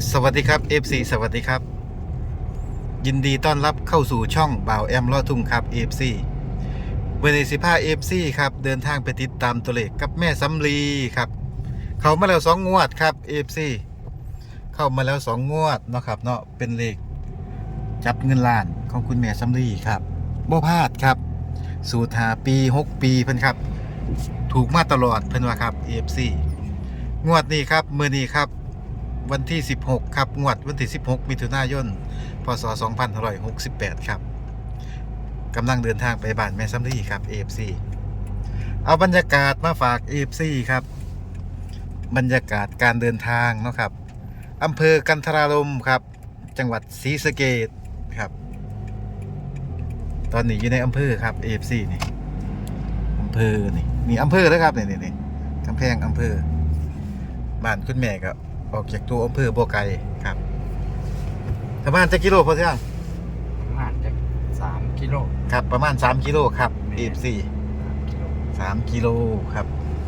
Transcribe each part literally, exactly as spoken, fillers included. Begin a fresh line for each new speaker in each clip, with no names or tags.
สวัสดีครับ เอฟ ซี สวัสดีครับยินดีต้อนรับเข้าสู่ช่องบ่าวแอมลอดทุ่งครับ เอฟ ซี เวเนสิพา เอฟ ซี ครับเดินทางไปติดตามตัวเลขกับแม่สำลีครับเข้ามาแล้วสองงวดครับ เอฟ ซี เข้ามาแล้วสองงวดเนาะครับเนาะเป็นเลขจับเงินล้านของคุณแม่สำลีครับบ่พลาดครับสูตรหาปีหกปีเพิ่นครับถูกมาตลอดเพิ่นว่าครับ เอฟ ซี งวดนี้ครับมื้อนี้ครับวันที่สิบหกครับงวดวันที่สิบหกมิถุนายนพศสองพันห้าร้อยหกสิบแปดครับกำลังเดินทางไปบ้านแม่สำลีครับ เอฟ ซี เอาบรรยากาศมาฝาก เอฟ ซี ครับบรรยากาศการเดินทางเนาะครับอำเภอกันทรารมครับจังหวัดศรีสะเกษครับตอนนี้อยู่ในอำเภอครับ เอฟ ซี นี่อำเภอนี่นี่อำเภอแล้วครับนี่นี่กำแพงอำเภอบ้านคุณแม่ก็ออกจากตัวอำเภอบ่ไกลครับประมาณจะกิโลพอเที่ยง
ประมาณจะสามกิโล
ครับประมาณสามกิโลครับ
แม่
เอฟ ซี
กิโล
สามกิโลครับ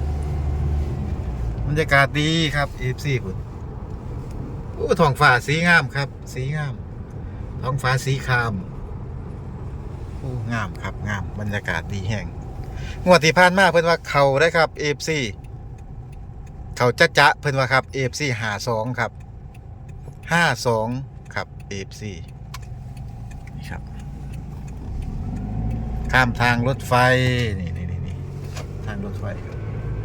บรรยากาศดีครับ เอฟ ซี คุณโอ้ท้องฟ้าสีงามครับ สีงามท้องฟ้าสีครามโอ้งามครับงามบรรยากาศดีแห้งงวดที่ผ่านมาเพิ่นว่าเขาได้ครับ เอฟ ซี เขาจะจะเพิ่นว่าครับ เอฟ ซี ห้าสองครับห้าสองครับ เอฟ ซี นี่ครับข้ามทางรถไฟนี่นี่นี่นี่ทางรถไฟครับ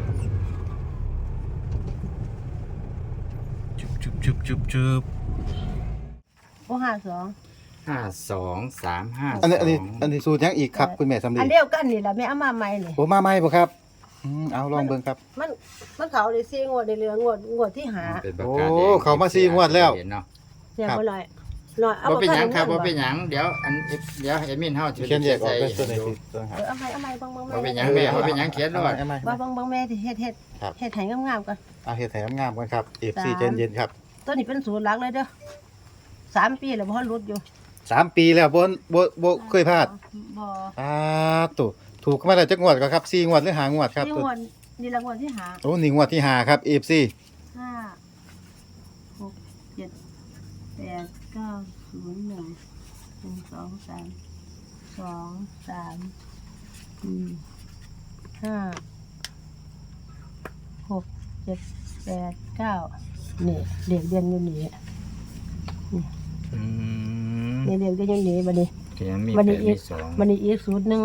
จุบจุบจุบจุบจุบ
โอ้ห้าสอง
ห้าสองสามห้า
อันนี้
ส
อันนี้
อง
อันนี้สูตรยังอีกครับคุณแม่สำลี
อันเดียวกันนี่แหละแม่เอามาใหม่นี่
โอ้มาใหม่บ่ครับอืมเอาลองเบิ่งครับ
มันมันเขาได้ซีงวดได้เหลืองวดงวดที่หา
เป็นประ
โอ้
กาศแดง
เขามาสี่งวดแล้ว
เห็นเนาะ
เนี่ย
ครับ
บ่หน่อยหน่อยเอา
ว่าเป็นหยังครับ
บ่
ว่าเป็นหยังเดี๋ยวอันเดี๋ยวเอมินเฮาจะ
เขียนแยกออกเป็นตัวไหน
ใส่
สิตัวไหน
เออเอาใหม่เอาใหม่เบิ่งเบิ่ง
ว่าเป็นห
แม่
ยังแม่ว่าเป็นหยังเขียนด้วย
เอาใหม่
ว่า
เอาใหม่
เบิ่งเบิ่งแม่ที่เฮ็ดเฮ็ด
ครับ
เฮ็ดให้งามๆก่อน
เอาเฮ็ดให้งามๆกันครับ เอฟ ซี
สาม
ใจเย็นๆครับ
ตัวนี้เป็นศูนย์หลักเลยเด้อสามปีแล้วบ่ทันหลุดอยู่
สามปีแล้วบ่บ่บ่เคยพลาด
บ่
อ่าตู่ถูกมาแล้วจักงวดก็ครับสี่งวดหรือห้างวดครับ
นี่
ตัว
งวดนี่ละงวดที่หา
โอ้นี่งวดที่ห้าครับ เอฟ ซี
ห้าหกเจ็ดแปดเก้าศูนย์หนึ่งหนึ่งสองสามสองสามสี่ห้าหกเจ็ดแปดเก้านี่เด็กเรียนอยู่นี่
อืม
นี่เด็กเรียนอยู่นี่บัดนี้
เขียนมี
บัด
แป
นี้
ด
อี
มี
ก
สอง
บัดนี้อีกศูนย์หนึ่ง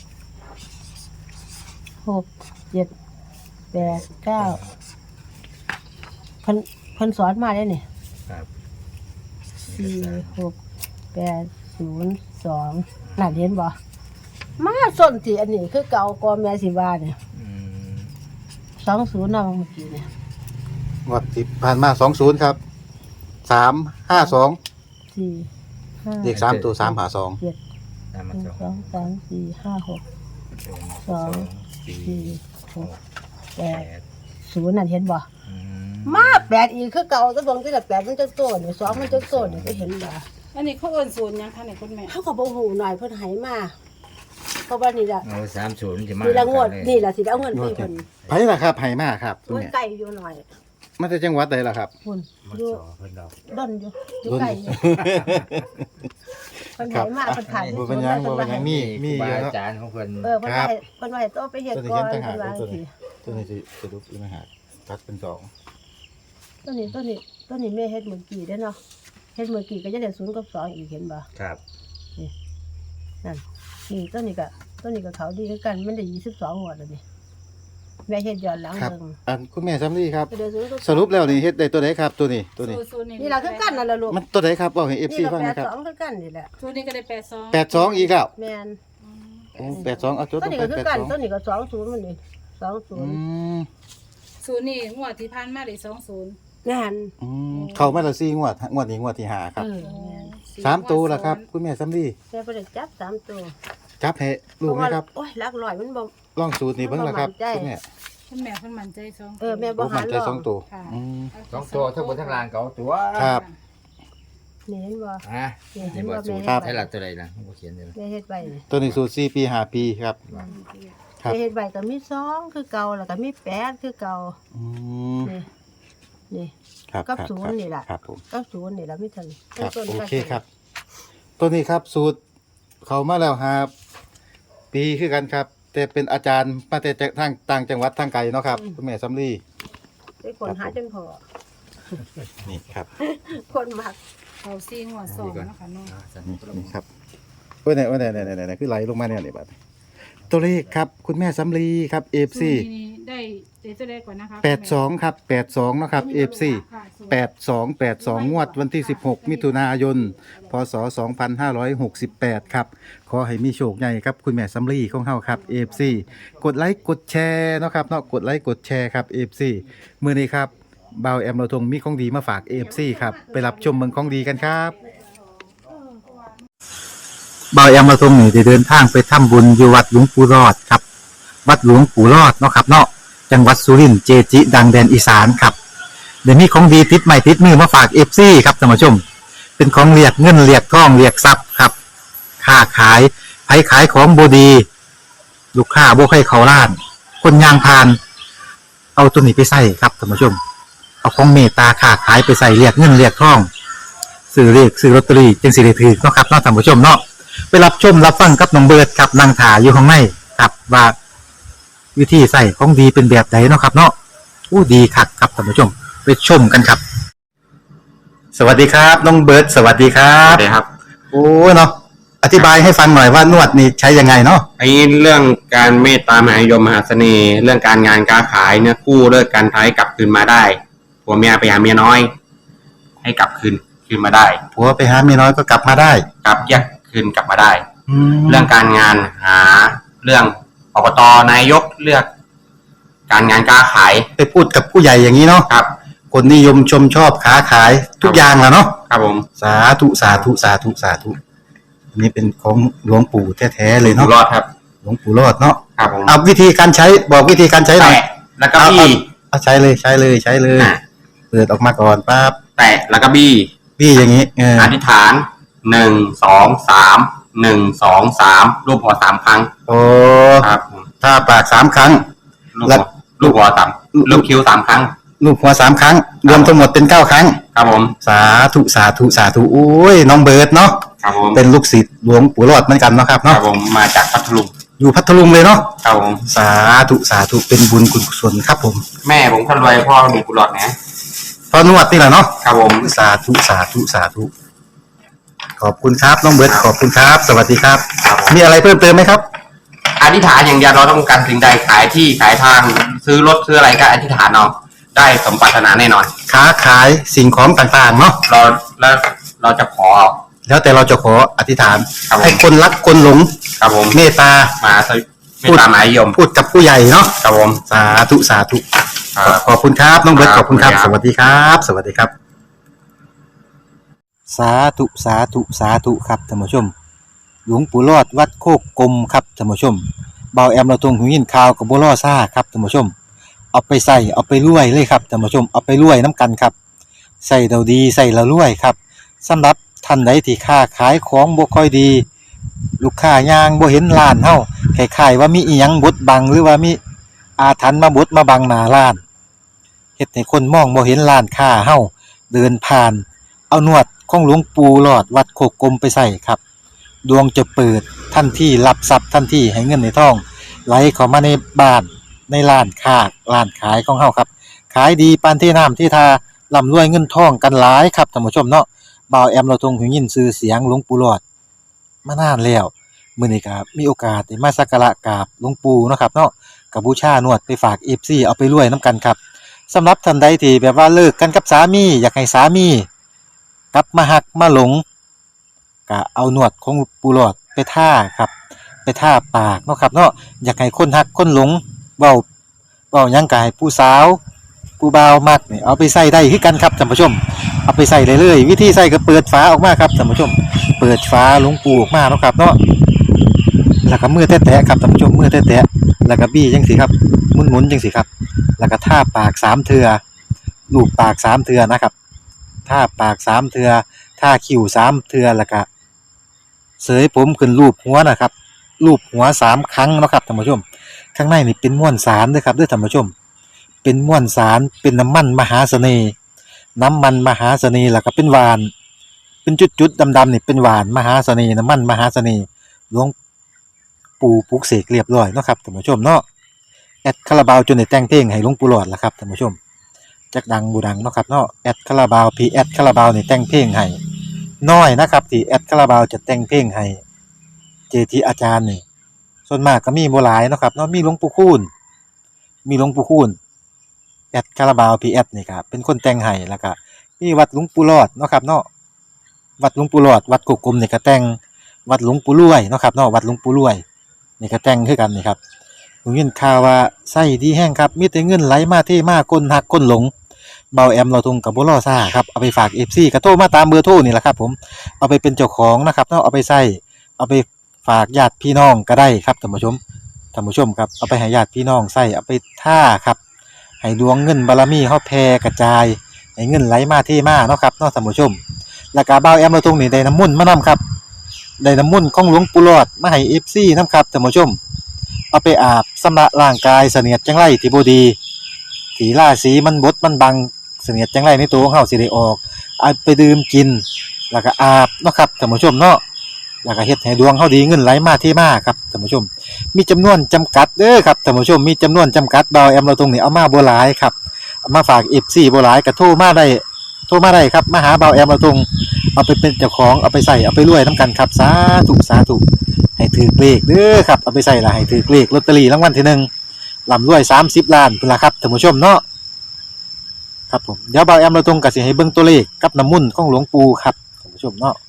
หกเจ็ดแปดเก้าเพิ่นเพิ่นสอนมาได้นี่
ครับ
สี่หกแปดศูนย์สองน่าเห็นบ่มาส้นที่อันนี้คือเก่ากอแม่สิว่าเนี่ย
อืม
สองศูนย์เนาะเมื่อกี้เนี่ย
งวดที่ผ่านมาสองศูนย์ครับสามห้าสอง
สี่ห้า
เลขสามตัวสามหาสอง
เจ็ด
ตาม
ห
มา
นึ่ง
สอง
สองสามสี่ห้าหก
สองสี่
สี่ห
ห
ก
ก
แป
แป
ด
ด
ศูนย์นั่นเห็นบ่
อืม
มาแปดอีกคือเก่าก็เบิ่งที่ละแปดมันจะโตนี่สองมันจะโตนี่ก็เห็นบ่
อันนี้เขาเอิ้นศูนย์ยังคะเนี่ยคุณแม่
เขาก็บ่ฮู้หน่อยเพิ่นให้มาเพราะว่านี่ล่ะ
เอาสามศูนย์จะมา
นี่ละงวด
เลย
นี่ล่ะสิเอาเงินให้เพิ่น
ไผล่ะครับไผมาครับคุณ
มัน
แม่
ไกลอยู่หน่อย
มาจากจังหวัดใดล่ะครับ
พุ่น
มา
อยู่
สอเพิ่นดอก
ดอนอยู่อยู่ไกลอยู่เพิ่นให้มาเพิ่นถ่าย
บ่เป็นหยังบ่เป็นหยังมีมี
ครู
อยู่
บา
เนาะ
อาจารย์ของเพิ่น
เออเพิ่นว่าให้เพิ่นว่าให้โตไปเฮ็ด
ตัวนี้
ก่อ
เขีย
น
นต่างหาก
เพิ่นว่า
ตัว
สิ
นี้ตัวนี้สิสรุปอีกนะฮะตัดเป็นสอง
ตัวนี้ตัวนี้ตัวนี้แม่เฮ็ดเมื่อกี้เด้อเนาะเฮ็ดเมื่อกี้ก็จะได้ศูนย์กับสองอีกเห็นบ่
ครับ
นั่นนี่ตัวนี้ก็ตัวนี้ก็เขาดีคือกันมันได้ยี่สิบสองงวดแล้วนี่แม่เฮ็ดย้อนหลัง
ครับ
เบิ่ง
อันคุณแม่ซ้ำนี่ครับ
เดี๋ยวศูนย์กับอง
สรุปแล้วนี่เฮ็ดได้ตัวไหนครับตัวนี้ตัวนี้
ศูนย์
นี่ล่ะคือกันนั่นล่ะลูก
มันตัวไหนครับบอกให้ เอฟ ซี
นี่ก็
ฟัง
แป
หนะ
ด
ครับ
สองคือกันนี่แหละ
ศูนย์นี่ก็ได้แปดสอง
แปดสองอีกแล้ว
แม่น
โอ้แปดสองเอาจด
ตัว
ลง
นี้
ไป
ก็คือ
แปด
กัน
สอง
ตัวนี้ก็สองศูนย์มันนี่สองศู
อื
นย์
ม
ศูนย์นี่งวดที่ผ่านมาได้สองศูนย์
แม่น
อืมเข้ามาแล้วสี่งวดงวดนี้งวดที่ห้าครับ
เออแม่น
สามตัวล่ะครับ คุณแม่ซ้ำนี่
แม่บ่ได้จับสามตัว
จับให้ลูกนะครับ
โอ้ยหลักร้อยมันบ่
ลองสูตรนี้เบิ่งล่ะครับ
มันบ่มั่นใจ
คุณแม่
คุณแม่เพิ่นมั่นใจสอง
เออแม่
โอ้มันใจสองตัว
ค่ะ
อืม
สองตัวทั้งบนทั้งล่างเก่าตัว
ครับ
นี่เห็นบ่
ฮะ
นี่เห็
นี่
น
บ่
บ่
สู
แม่
ตร
เฮ็ด
ใช่
ไว้
ละตัวใดล่ะผมบ่เขียนเลย
แม่เฮ็ดไว้นี่
ตัวนี้สูตรสี่ปีห้าปีครับ ครับ
แม่เฮ็ดไว้ก็มีสองคือเก่าแล้วก็มีแปดคือเก่า
อืม
นี่นี่
ครับ
กับ
ครับ
ศูนย์นี่ล่ะ
ครับผม
กับศูนย์นี่ล่ะมีเท่านี้
ครับ
ต้น
โอ
กับ
เคครับ ตัวนี้ครับสูตรเขามาแล้วครับปีคือกันครับ แต่เป็นอาจารย์มาแต่ทางต่างจังหวัดทางไกลเนาะครับคุณแม่สำลี
ได้คนหาจนพอ
นี่ครับ
คนมัก
เขาซีงวดสองนะคะเนาะ
อ่าสัน
นี่นี่ครับโอ้ยไหนโอ้ยไหนไหนไหนไหนคือไหลลงมาเนี่ยนี่บัดตัวเลขครับคุณแม่สำลีครับเอฟ
ศู
ซี
นย์นี่ได้เดี๋ยวจะได้ก่อนนะคะ
แปดสองครับแปดสองเนาะครับเอฟซี
ค่ะศูนย์
แปดสองแปดสองงวดวันที่สิบหกมิถุนายนพศสองพันห้าร้อยหกสิบแปดครับขอให้มีโชคใหญ่ครับคุณแม่สำลีของเฮาครับเอฟซีกดไลค์กดแชร์เนาะครับเนาะกดไลค์กดแชร์ครับเอฟซีมื้อนี้ครับบ่าวแอมเราทงมีของดีมาฝาก เอ เอฟ ซี ครับไปรับชมเมืองของดีกันครับบ่าวแอมเราทงนี่ได้เดินทางไปทำบุญอยู่วัดหลวงปู่รอดครับวัดหลวงปู่รอดเนาะครับเนาะจังหวัดสุรินทร์เจจิ ดังแดนอีสานครับเดี๋ยวนี้ของดีติดใหม่ติดมือมาฝาก เอฟ ซี ครับท่านผู้ชมเป็นของเรียกเงินเรียกทองเรียกทรัพย์ครับค้าขายไผขายของบ่ดีลูกค้าบ่ให้เขาร้านคนยางพาน เอาตัวนี้ไปใส่ครับท่านผู้ชม เอาของเมตตาค้าขายไปใส่เรียกเงินเรียกทองซื้อเรียกซื้อลอตเตอรี่จึงสิได้ถือเนาะครับเนาะท่านผู้ชมเนาะไปรับชมรับฟังกับน้องเบิร์ดครับนางถาอยู่ข้างในครับว่าวิธีใส่ของดีเป็นแบบไหนเนาะครับเนาะอู้ดีคักครับท่านผู้ชมไปชมกันครับ สวัสดีครับน้องเบิร์ดสวัสดีครั
ครับ บครับ
โอ้เนาะอธิบายให้ฟังหน่อยว่านวดนี่ใช้ยังไงเนาะ
ไอ้เรื่องการเมตตามหานิยมมหาเสน่ห์ เรื่องการงานการขายเนี่ยกู้เลิกการท้ายกลับคืนมาได้ผัวเมียไปหาเมียน้อย ให้กลับคืนคืนมาได้
ผัวไปหาเมียน้อยก็กลับมาได้
กลับแยกคืนกลับมาได้
แล้
เรื่
ว
องการงานหาเรื่องอบตนายกเลือก การงานการขาย
ไปพูดกับผู้ใหญ่อย่างนี้เนาะ
ครับ
คนนิยมชมชอบค้าขายทุกอย่างแหละเนาะ
ครับผม
สาธุสาธุสาธุสาธุอันนี้เป็นของหลวงปู่แท้ๆเลย
อยู่
เนาะ
รอดครับ
หลวงปู่รอดเนาะ
ครับผม
เอาวิธีการใช้บอกวิธีการใช้หน่อย
แตะแล้วก็บี้
เอาใช้เลยใช้เลยใช้เลย
อ่ะ
เปิดออกมาก่อนปั๊บ
แตะแล้วก็บี้
พี่อย่างนี้เออ
อธิษฐานหนึ่งสองสามหนึ่งสองสามรูปหัวสามครั้ง
โอ้
ครับผม
ถ้าปากสามครั้ง
ลูก
แล้
หั
ว
วลูกหัวสามลูกคิ้วสามครั้ง
ลูกหัวสามครั้ง รวมทั้งหมดเป็นเก้าครั้ง
ครับผม
สาธุสาธุสาธุโอ้ยน้องเบิร์ดเนาะ
ครับผม
เป็นลูกศิษย์หลวงปู่รอดเหมือนกันเนาะครับ
ครั
เนาะ
บผมมาจากพัทลุง
อยู่พัทลุงเลยเนาะ
ครับผม
สาธุสาธุเป็นบุญกุศลครับผม
แม่ผมคนรวยพ่อมีกุหลาบนะ
พอนวดนี่แหละเนาะ
ครับผม
สาธุสาธุสาธุขอบคุณครับน้องเบิร์ดขอบคุณครับ สวัสดีครับ
ครับผม
มีอะไรเพิ่มเติมไหมครับ
อธิษฐานอย่างเดียวเราต้องการสิ่งใดขายที่ขายทางซื้อรถซื้ออะไรก็อธิษฐานเอาได้สมปรารถนาแน่นอน
ค้าขายสิ่งของต่างๆเนาะ
เราแล้วเราจะขอ
แล้วแต่เราจะขออธิษฐาน
ครับผม
ให้คนรักคนหลง
ครับผม
เมตตา
มาสวิไม่ตามหมายยม
พูดกับผู้ใหญ่เนาะ
ครับผม
สาธุสาธุ
ครับ
ขอบคุณครับน้องเบิร์ต
ค
ข
รับ
อบคุณครับ
ขอบ
ส
คุณครับ
วัสดีครับ สวัสดีครับ สาธุสาธุสาธุครับท่านผู้ชม หลวงปู่รอดวัดโคกกลมครับท่านผู้ชมเบาแอมเราตรงหูยินข่าวกับบัวล่อซ่าครับท่านผู้ชม เอาไปใส่เอาไปรวยเลยครับท่านผู้ชมเอาไปรวยน้ำกันครับใส่เราดีใส่เรารวยครับสำหรับท่านใดที่ค้าขายของบ่ค่อยดี ลูกค้ายางบ่เห็นร้านเฮาคล้ายๆว่ามีอีหยังบดบังหรือว่ามีอาถรรพ์มาบดมาบังหน้าร้านเฮ็ดให้คนมองบ่เห็นร้านค้าเฮาเดินผ่าน เอานวดของหลวงปู่หลอดวัดโคกกลมไปใส่ครับดวงจะเปิดทันทีรับทรัพย์ทันทีให้เงินในท้องไหลเข้ามาในบ้านในร้านค้าร้านขายของเฮาครับขายดีปานที่น้ำที่ทาร่ำรวยเงินทองกันหลายครับท่านผู้ชมเนาะบ่าวแอมเราทรงหูยินชื่อเสียงหลวงปู่หลอดมานานแล้วมื้อนี้ก็มีโอกาสได้มาสักการะกราบหลวงปู่เนาะครับเนาะก็บูชานวดไปฝาก เอฟ ซี เอาไปรวยนํกันครับสำหรับท่านใดที่แบบว่าเลิกกันกับสามีอยากให้สามีกลับมาหักมาหลงก็เอานวดของปูหลอดไปท่าครับไปท่าปากเนาะครับเนาะอยากให้คนหักคนหลงเว้าเว้าหยังก็ให้ผู้สาวผู้บ่าวมักนี่เอาไปใส่ได้คือกันครับท่านผู้ชมเอาไปใส่เลยเลยวิธีใส่ก็เปิดฝาออกมาครับท่านผู้ชมเปิดฝาหลวงปูออกมาเนาะครับเนาะแล้วก็มือแตะๆครับท่านผู้ชมมือแตะๆแล้วก็บี้จังสิครับหมุนๆจังสิครับแล้วก็ท่าปากสามเทื่อลูบปากสามเทื่อนะครับท่าปากสามเทื่อท่าคิ้วสามเทื่อแล้วก็เสยผมขึ้นรูปหัวนะครับรูปหัวสามครั้งเนาะครับท่านผู้ชมข้างในนี่เป็นม้วนสารเด้อครับเด้อท่านผู้ชมเป็นม้วนสารเป็นน้ำมันมหาเสน่ห์น้ำมันมหาเสน่ห์แล้วก็เป็นหวาน เป็นจุดๆดำๆนี่เป็นหวานมหาเสน่ห์น้ำมันมหาเสน่ห์หลวงปู่ปลุกเสกเรียบร้อยเนาะครับท่านผู้ชมเนาะแอดคาราบาวจนได้แต่งเพลงให้หลวงปู่หลอดล่ะครับท่านผู้ชมจักดังบูดังเนาะครับเนาะแอดคาราบาวพีแอดคาราบาวนี่แต่งเพลงให้น้อยนะครับที่แอดคาราบาวจะแต่งเพลงให้เจทีอาจารย์นี่ส่วนมากก็มีบ่หลายเนาะครับเนาะมีหลวงปู่คูณมีหลวงปู่คูณแอดคาราบาวพีแอดนี่ครับเป็นคนแต่งให้แล้วก็มีวัดหลวงปู่หลอดเนาะครับเนาะวัดหลวงปู่หลอดวัดกุกกลมนี่ก็แต่งวัดหลวงปู่รวยเนาะครับเนาะวัดหลวงปู่รวยนี่ก็แต่งคือกันนี่ครับผมยินข่าวว่าไส้ดีแห้งครับมีแต่เงินไหลมาเทมาก้นหักก้นหลงเบาแอมเราทุงกับบ่รอซ่าครับเอาไปฝาก เอฟ ซี ก็โทรมาตามเบอร์โทรนี่แหละครับผมเอาไปเป็นเจ้าของนะครับเนาะเอาไปใส่เอาไปฝากญาติพี่น้องก็ได้ครับท่านผู้ชมท่านผู้ชมครับเอาไปให้ญาติพี่น้องใส่เอาไปท่าครับให้ดวงเงินบารมีเฮาแผ่กระจายให้เงินไหลมาเทมาเนาะครับเนาะท่านผู้ชมแล้วก็เบาแอมเราทุงนี่ได้น้ำมนต์มานํครับได้น้ำมนต์ของหลวงปู่หลอดมาให้ เอฟ ซี นํครับท่านผู้ชมเอาไปอาบชำระร่างกายเสนียดจังไรที่บ่ดีที่ราศีมันบดมันบังเสนียดจังไรในตัวของเฮาสิได้ออกเอาไปดื่มกินแล้วก็อาบเนาะครับท่านผู้ชมเนาะแล้วก็เฮ็ดให้ดวงเฮาดีเงินไหลมาเทมาครับท่านผู้ชมมีจำนวนจำกัดเด้อครับท่านผู้ชมมีจำนวนจำกัดเบาแอมเราตรงนี้เอามาบ่หลายครับเอามาฝาก เอฟ ซี บ่หลายก็โทรมาได้โทรมาได้ครับมาหาเบาแอมเราตรงเอาไปเป็นเจ้าของเอาไปใส่เอาไปรวยนํกันครับสาธุสาธุให้ถือเลขเด้อครับเอาไปใส่ละให้ถือเลขลอตเตอรี่รางวัลที่หนึ่งร่ำรวยสามสิบล้านพุ่นล่ะครับท่านผู้ชมเนาะครับผมเดี๋ยวเบาแอมเราตรงก็สิให้เบิ่งตัวเลขกับน้ำมนต์ของหลวงปู่ครับท่านผู้ชมเนาะ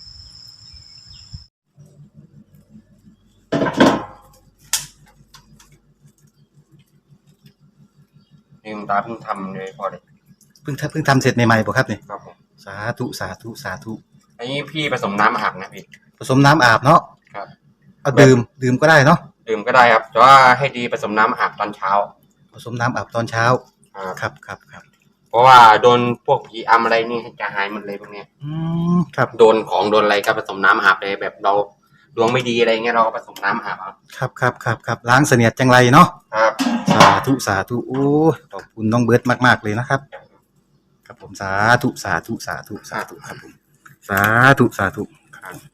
นี่คุณตาเพิ่งทำเลยพอเลย
เพิ่งทำเพิ่งทำเสร็จใหม่ๆป่ะครับเนี่ย
ครับผม
สาธุสาธุสาธุ
อันนี้พี่ผสมน้ำอาบนะพี่
ผสมน้ำอาบเนาะ
ครับ
เอาดื่มดื่มก็ได้เนาะ
ดื่มก็ได้ครับแต่ว่าให้ดีผสมน้ำอาบตอนเช้า
ผสมน้ำอาบตอนเช้า
ครับ
ครับครับครับ
เพราะว่าโดนพวกผีอำอะไรนี่จะหายหมดเลยพวกเนี้ย
อืมครับ
โดนของโดนอะไรก็ผสมน้ำอาบเลยแบบเราดวงไม่ดีอะไรเงี้ยเราก็ผสมน้ำอาบเอา
ครับครับครับครับล้างเสนียดจังไรเนาะ
ครับ
สาธุสาธุโอ้ยขอบคุณน้องเบิร์ตมากๆเลยนะครับครับผมสาธุสาธุสาธุสาธุครับผมสาธุสาธุ
ครับ